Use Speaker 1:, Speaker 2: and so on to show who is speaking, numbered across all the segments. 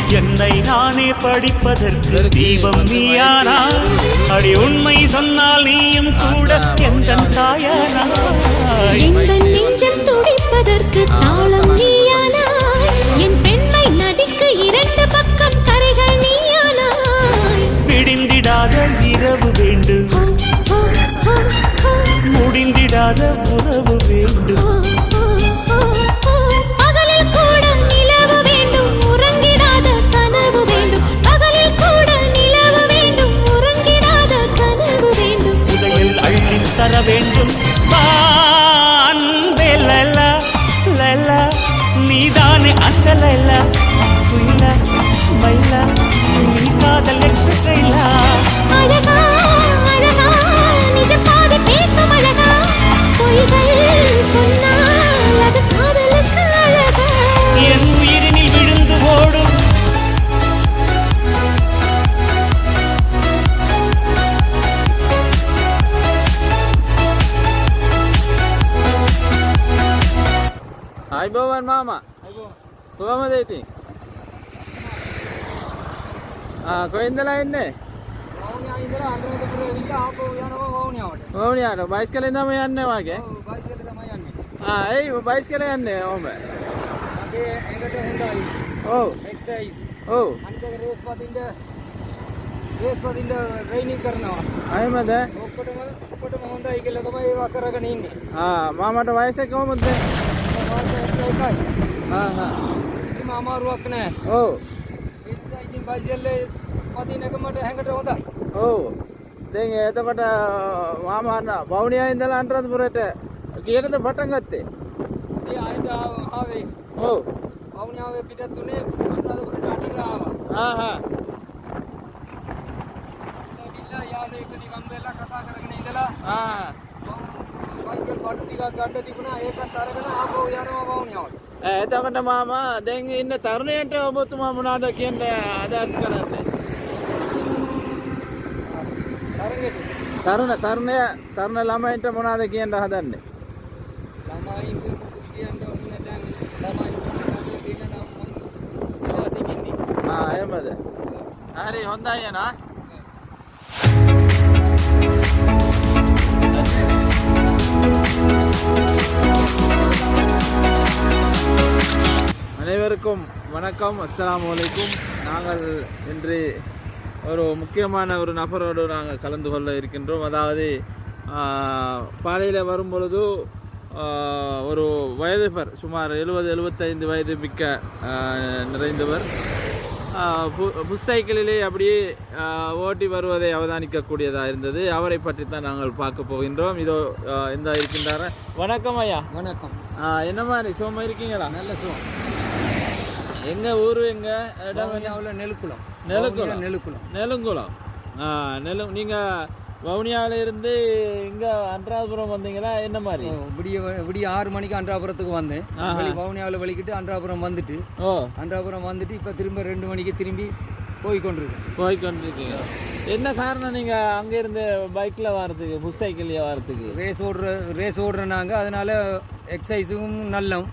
Speaker 1: என்னை நானே படிப்பதற்கு தீபம் நீயானா அடி உண்மை சொன்னால் நீயும் கூட எந்த தாயானா
Speaker 2: நெஞ்சம் துடிப்பதற்கு தாளம் நீயானா என் பெண்மை நதிக்கு இரண்டு பக்கம் கரைகள் நீயானா
Speaker 1: விடிந்திடாத இரவு வேண்டும் முடிந்திடாத உறவு வேண்டும் தர வேண்டும் நீதானே அந்த லைலா குயிலா மயிலா நீ காதல் எக்ஸ்பிரஸ்லா
Speaker 2: அழகா அழகா நிஜ பாதி பேசும் அழகா பொய்கள் சொன்னால் அது காதலுக்கு அழகா
Speaker 1: என் உயிரினில் விழுந்து ஓடும்
Speaker 3: අයිබෝවන් මාමා කොහමද ඉතින් කොහෙන්දලා එන්නේ
Speaker 4: වවුනියා ඉඳලා අනුරාධපුර ඇවිල්ලා ආපහු යනවා වවුනියාවට
Speaker 3: වවුනියාට බයිස්කලෙන් තමයි යන්නේ වාගේ
Speaker 4: ඔව් බයිස්කලේ තමයි යන්නේ
Speaker 3: ඇයි බයිස්කලේ යන්නේ ඔහම
Speaker 4: මගේ ඒකට හොඳයි
Speaker 3: ඔව්
Speaker 4: එක්සයිස්
Speaker 3: ඔව්
Speaker 4: අනිත් එක රේස් පදින්න ට්‍රේනින් කරනවා
Speaker 3: අයමද
Speaker 4: ඔක්කොටම හොඳයි කියලා තමයි ඒවා කරගෙන ඉන්නේ
Speaker 3: මාමට වයස කොහොමද
Speaker 4: ඉතින් අමාරුවක් නෑ.
Speaker 3: ඔව්.
Speaker 4: ඉතින් බයිසිකලේ පදින එක මට හැඟට හොඳයි.
Speaker 3: ඔව්. දැන් එතකොට මාමා වවුනියා ඉඳලා අනුරාධපුරයට කීයටද පටන් ගත්තේ?
Speaker 4: ඉතින් ආයෙත් ආවේ.
Speaker 3: ඔව්.
Speaker 4: වවුනියාවේ පිටත් උනේ අනුරාධපුරට අටිලා ආවා. දැන් යාළුවෙක් එක්ක නිකන් වෙලා කතා කරගෙන ඉඳලා බයිසිකල් පාට ටිකක් ගන්න තිබුණා ඒකත් අරගෙන ආපහු යනවා වවුනියාවට.
Speaker 3: එතකොට මාමා දැන් ඉන්න තරුණයන්ට ඔබතුමා මොනවද කියන්න අදහස් කරන්නේ? තරුණ ළමයින්ට මොනවද කියන්න හදන්නේ?
Speaker 4: ළමයින්ට කියන්න ඕනේ දැන් ළමයි කියන නම්
Speaker 3: එහෙමද? හරි හොඳයි නා. அனைவருக்கும் வணக்கம், அஸ்ஸலாமு அலைக்கும். நாங்கள் இன்று ஒரு முக்கியமான ஒரு நபரோடு நாங்கள் கலந்து கொள்ள இருக்கின்றோம். அதாவது பாதையில் வரும் பொழுது ஒரு வயதுபர் சுமார் 70-75 வயது மிக்க நிறைந்தவர் புஷ் சைக்கிளிலே அப்படியே ஓட்டி வருவதை அவதானிக்கக்கூடியதாக இருந்தது. அவரை பற்றி தான் நாங்கள் பார்க்க போகின்றோம். இதோ இந்த இருக்கின்றார. வணக்கம் ஐயா.
Speaker 4: வணக்கம்.
Speaker 3: என்ன மாதிரி சோமா இருக்கீங்களா?
Speaker 4: நல்ல சோம்.
Speaker 3: எங்க ஊரு எங்க இடம்?
Speaker 4: நெலுக்குளம்.
Speaker 3: நீங்க வவுனியாவில இருந்து இங்க அன்றாபுரம் வந்தீங்களா? என்ன மாதிரி?
Speaker 4: விடிய 6 மணிக்கு அன்றாபுரத்துக்கு வந்தேன். வவுனியாவில் வலிக்கிட்டு அன்றாபுரம் வந்துட்டு இப்போ திரும்ப 2 மணிக்கு திரும்பி
Speaker 3: போய்கொண்டிருக்கீங்க. என்ன காரணம் நீங்க அங்க இருந்து பைக்ல வர்றதுக்கு, புஷ் சைக்கிள்ல வர்றதுக்கு?
Speaker 4: ரேஸ் ஓடுறாங்க, அதனால எக்ஸசைஸும் நல்லம்,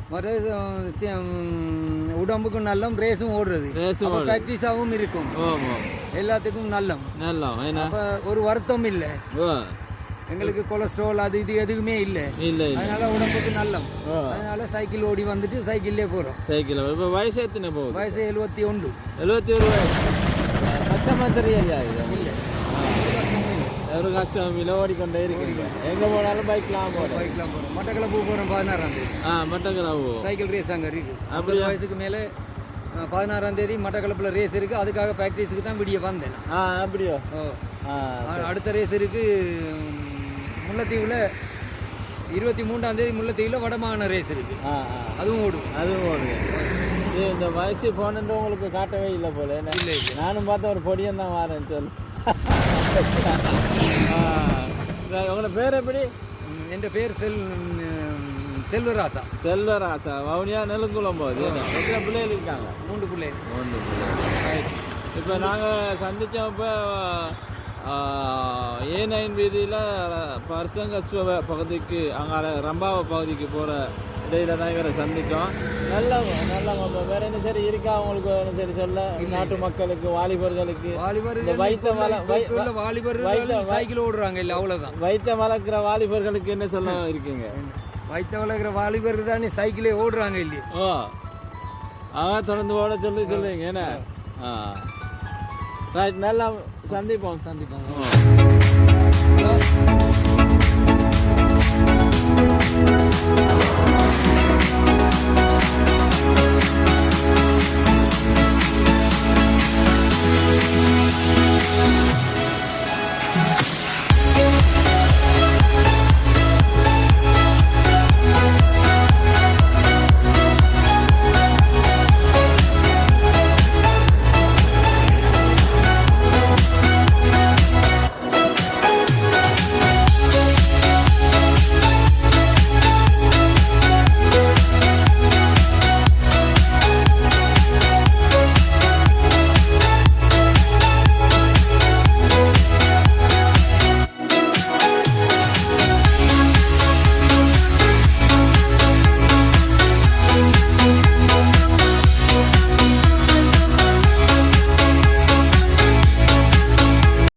Speaker 4: உடம்புக்கும் நல்லம், ரேஸும் ஓடுறது, பிராக்டிஸாகவும் இருக்கும், எல்லாத்துக்கும் நல்லம். ஒரு வருத்தம் இல்லை எங்களுக்கு. கொலஸ்ட்ரால் அது இது எதுவுமே இல்லை. அதனால உடம்புக்கு நல்லம். அதனால சைக்கிள் ஓடி வந்துட்டு சைக்கிள்லே போறோம்.
Speaker 3: சைக்கிள். இப்போ வயசு எத்தனை போகுது?
Speaker 4: வயசு 71.
Speaker 3: 71 வயசு. கஷ்டமா தெரியலையா? இல்லை, ஒரு கஷ்டம் இல்லை. ஓடிக்கொண்டே இருக்கீங்க. எங்க போனாலும் பைக்லாம் போறோம்.
Speaker 4: மட்டக்களப்பு போறோம் 16ஆம் தேதி.
Speaker 3: மட்டக்களப்பு
Speaker 4: சைக்கிள் ரேஸ் அங்கே இருக்கு. 50 வயசுக்கு மேலே 16ஆம் தேதி மட்டக்களப்பில் ரேஸ் இருக்கு. அதுக்காக ப்ராக்டிஸுக்கு தான் விடிய வந்தேன்.
Speaker 3: அப்படியோ?
Speaker 4: அடுத்த ரேஸ் இருக்கு முல்லைத்தீவில் 23ஆம் தேதி. முல்லைத்தீவில் வடமாகாண ரேஸ் இருக்கு. அதுவும் ஓடுங்க.
Speaker 3: இந்த வயசு போனது உங்களுக்கு காட்டவே இல்லை போல. இல்லை, நானும் பார்த்தா ஒரு பொடியன் தான் வரேன்னு சொல்லு. உங்களோட பேர் எப்படி?
Speaker 4: என் பேர் செல்வராசா.
Speaker 3: வவுனியா நெலுங்குளம் போகுது. எத்தனை பிள்ளைகள் இருக்காங்க?
Speaker 4: 3 பிள்ளை.
Speaker 3: இப்போ நாங்கள் சந்தித்தப்போ A9 வீதியில் பர்சங்கஸ்வ பகுதிக்கு, அங்கே ரம்பாவ பகுதிக்கு போகிற இடையில தான் இவரை சந்திச்சோம். நல்ல நல்ல வேற என்ன சரி இருக்கா உங்களுக்கு என்ன சரி சொல்ல நாட்டு மக்களுக்கு வாலிபர்களுக்கு
Speaker 4: சைக்கிள் ஓடுறாங்க இல்லை அவ்வளோதான்.
Speaker 3: வைத்த வளர்க்குற வாலிபர்களுக்கு என்ன சொல்ல இருக்கீங்க?
Speaker 4: வைத்த வளர்க்குற வாலிபர்கள் தானே சைக்கிளே ஓடுறாங்க இல்லையே.
Speaker 3: ஓ தொடர்ந்து ஓட சொல்லுங்க என்ன. ரைட் நல்லா சந்திப்போம்.
Speaker 4: ஹலோ